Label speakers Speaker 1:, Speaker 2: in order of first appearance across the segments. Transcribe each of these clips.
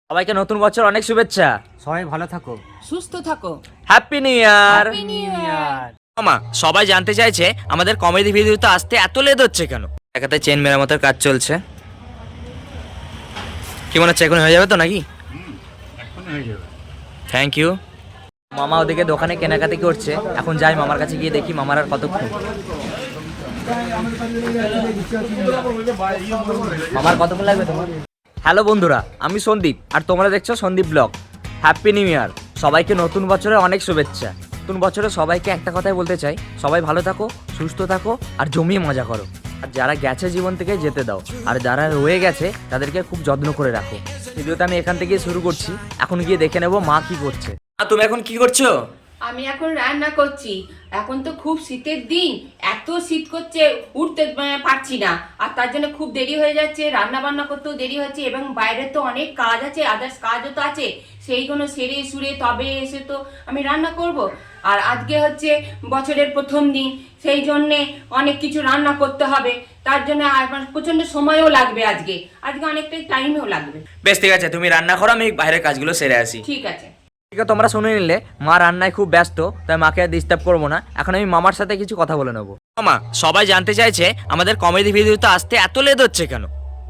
Speaker 1: সবাইকে নতুন বছর অনেক শুভেচ্ছা।
Speaker 2: সবাই ভালো থাকো,
Speaker 3: সুস্থ থাকো।
Speaker 1: Happy new year.
Speaker 3: Happy new year.
Speaker 1: মামা, সবাই জানতে চাইছে আমাদের কমেডি ভিডিওতে আসতে এত লেট হচ্ছে কেন? একাতে চেন মেরামতের কাজ চলছে। কি মনে হচ্ছে এখন হয়ে যাবে তো নাকি? Thank you. মামা ওদিকে দোকানে কেনাকাটি করছে, এখন যাই মামার কাছে গিয়ে দেখি মামার আর কতক্ষণ। মামার কতক্ষণ লাগবে তোমার? হ্যালো বন্ধুরা, আমি সন্দীপ আর তোমরা দেখছো Sandeep blog. Happy new year. সবাইকে নতুন বছরে অনেক শুভেচ্ছা। নতুন বছরে সবাইকে একটা কথাই বলতে চাই, সবাই ভালো থাকো, সুস্থ থাকো আর জমিয়ে মজা করো। আর যারা গেছে জীবন থেকে যেতে দাও, আর যারা রয়ে গেছে তাদেরকে খুব যত্ন করে রাখো। ভিডিওটা আমি এখান থেকে শুরু করছি, এখন গিয়ে দেখে নেবো মা কি করছে। তুমি এখন কি করছো?
Speaker 3: আমি এখন রান্না করছি। এখন তো খুব শীতের দিন, এত শীত করছে উঠতে পারছি না, আর তার জন্য খুব দেরি হয়ে যাচ্ছে, রান্না বান্না করতেও দেরি হচ্ছে, এবং বাইরে তো অনেক কাজ আছে, আদার্স কাজও তো আছে, সেইগুলো সেরে সুরে তবে এসে তো আমি রান্না করব। আর আজকে হচ্ছে বছরের প্রথম দিন, সেই জন্যে অনেক কিছু রান্না করতে হবে, তার জন্য আমার প্রচন্ড সময়ও লাগবে। আজকে অনেকটাই টাইমও লাগবে।
Speaker 1: বেশ ঠিক আছে, তুমি রান্না করো, আমি বাইরের কাজগুলো সেরে আসি।
Speaker 3: ঠিক আছে।
Speaker 1: ঠিক আছে, তোমরা শুনে নিলে মা রান্নায় খুব ব্যস্ত, তাই মাকে আর ডিস্টার্ব করবো না। এখন আমি মামার সাথে কিছু কথা বলে নেবো। মামা, সবাই জানতে চাইছে আমাদের কমেডি ভিডিওতে আসতে এত লেট হচ্ছে কেন?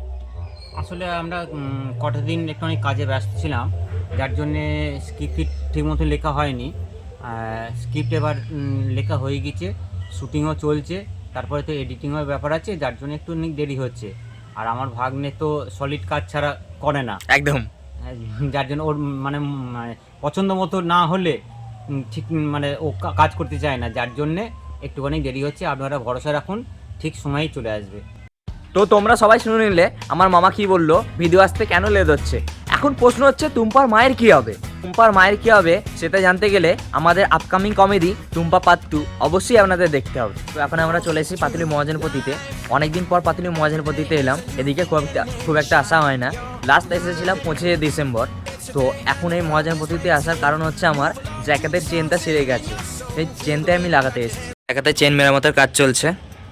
Speaker 2: আসলে আমরা কটা দিন একটু অনেক কাজে ব্যস্ত ছিলাম, যার জন্যে স্ক্রিপ্ট ঠিক মতো লেখা হয়নি। স্ক্রিপ্ট এবার লেখা হয়ে গেছে, শুটিংও চলছে, তারপরে তো এডিটিংয়ের ব্যাপার আছে, যার জন্য একটু অনেক দেরি হচ্ছে। আর আমার ভাগ্নে তো সলিড কাজ ছাড়া করে না
Speaker 1: একদম।
Speaker 2: যার জন্য ওর মানে পছন্দ মতো না হলে ঠিক মানে ও কাজ করতে চায় না, যার জন্যে একটুখানি দেরি হচ্ছে। আপনারা ভরসা রাখুন, ঠিক সময়েই চলে আসবে।
Speaker 1: তো তোমরা সবাই শুনে নিলে আমার মামা কি বললো, ভিডিও আসতে কেন লেট হচ্ছে। এখন প্রশ্ন হচ্ছে টুম্পার মায়ের কি হবে। টুম্পার মায়ের কি হবে সেটা জানতে গেলে আমাদের আপকামিং কমেডি টুম্পা পার্ট 2 অবশ্যই আপনাদের দেখতে হবে। তো এখন আমরা চলে এসেছি পাতুলি মহাজনপতিতে। অনেকদিন পর পাতুলি মহাজনপতিতে এলাম, এদিকে খুব একটা আসা হয় না। লাস্ট এসেছিলাম 25 ডিসেম্বর। তো এখন এই মহাজনপতিতে আসার কারণ হচ্ছে আমার জ্যাকেটের চেনটা ছিঁড়ে গেছে, সেই চেনটাই আমি লাগাতে এসেছি। জ্যাকেটের চেন মেরামতের কাজ চলছে।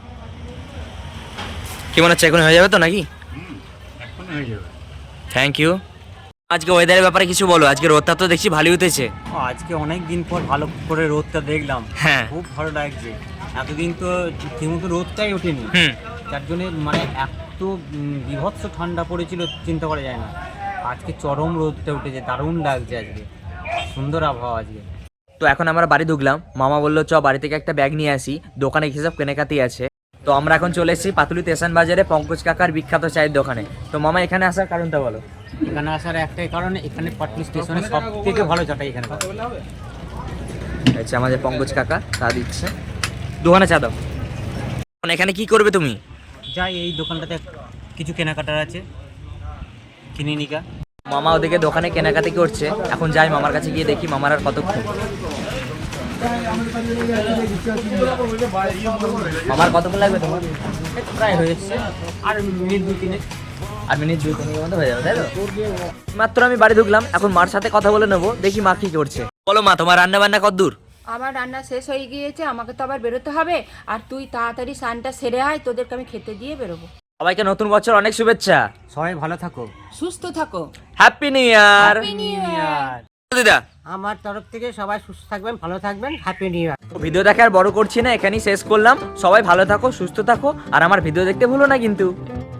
Speaker 1: কি মনে হচ্ছে এখন হয়ে যাবে তো নাকি? Thank you. আজকে ওয়েদারের ব্যাপারে কিছু বলো, আজকে রোদটা তো দেখছি ভালোই উঠেছে।
Speaker 2: আজকে অনেক দিন পর ভালো করে রোদটা দেখলাম,
Speaker 1: হ্যাঁ
Speaker 2: খুব ভালো লাগছে। এতদিন তো ঠিকমতো রোদটাই ওঠেনি, যার জন্য মানে এত বীভৎস ঠান্ডা পড়েছিল চিন্তা করা যায় না। আজকে চরম রোদটা উঠেছে, দারুণ লাগছে আজকে, সুন্দর আবহাওয়া আজকে।
Speaker 1: তো এখন আমরা বাড়ি ঢুকলাম, মামা বললো চ বাড়ি থেকে একটা ব্যাগ নিয়ে আসি, দোকানে হিসাব কেনাকাটি আছে। তো আমরা এখন চলে এসেছি পাতুলি স্টেশন বাজারে পঙ্কজ কাকার বিখ্যাত চায়ের দোকানে। তো মামা এখানে আসার কারণটা বলো।
Speaker 2: এখানে আসার একটাই কারণ, এখানে পাটলি স্টেশনে সব থেকে ভালো চাটাই এখানে।
Speaker 1: আচ্ছা, আমাদের পঙ্কজ কাকা চা দিচ্ছে, দোকানে চা দাও। এখানে কি করবে তুমি?
Speaker 2: যাই এই দোকানটাতে কিছু কেনাকাটার আছে, কিনে নিকা।
Speaker 1: মামা ওদিকে দোকানে কেনাকাটি করছে, এখন যাই মামার কাছে গিয়ে দেখি মামার আর কতক্ষণ। মামার কতক্ষণ লাগবে তোমার?
Speaker 2: প্রায় হয়ে এসছে, আর মিনিট 2-3।
Speaker 1: আর মিনিট 2-3 মতো হয়ে যাবে, তাই তো? মাত্র আমি বাড়ি ঢুকলাম, এখন মার সাথে কথা বলে নেবো, দেখি মা কি করছে। বলো মা, তোমার রান্না বান্না কতদূর?
Speaker 3: আমার রান্না শেষ হয়ে গিয়েছে, আমাকে তো আবার বেরোতে হবে, আর তুই তাড়াতাড়ি স্নানটা সেরে আয়, তোদেরকে আমি খেতে দিয়ে বেরোবো।
Speaker 1: সবাইকে নতুন বছর অনেক শুভেচ্ছা।
Speaker 2: সবাই ভালো থাকো,
Speaker 3: সুস্থ থাকো।
Speaker 1: Happy new year.
Speaker 3: Happy new year.
Speaker 1: দিদা,
Speaker 2: আমার তরফ থেকে সবাই সুস্থ থাকবেন, ভালো থাকবেন, হ্যাপি নিউ ইয়ার।
Speaker 1: ভিডিও দেখে আর বড় করছি না, এখানেই শেষ করলাম। সবাই ভালো থাকো, সুস্থ থাকো, আর আমার ভিডিও দেখতে ভুলো না কিন্তু।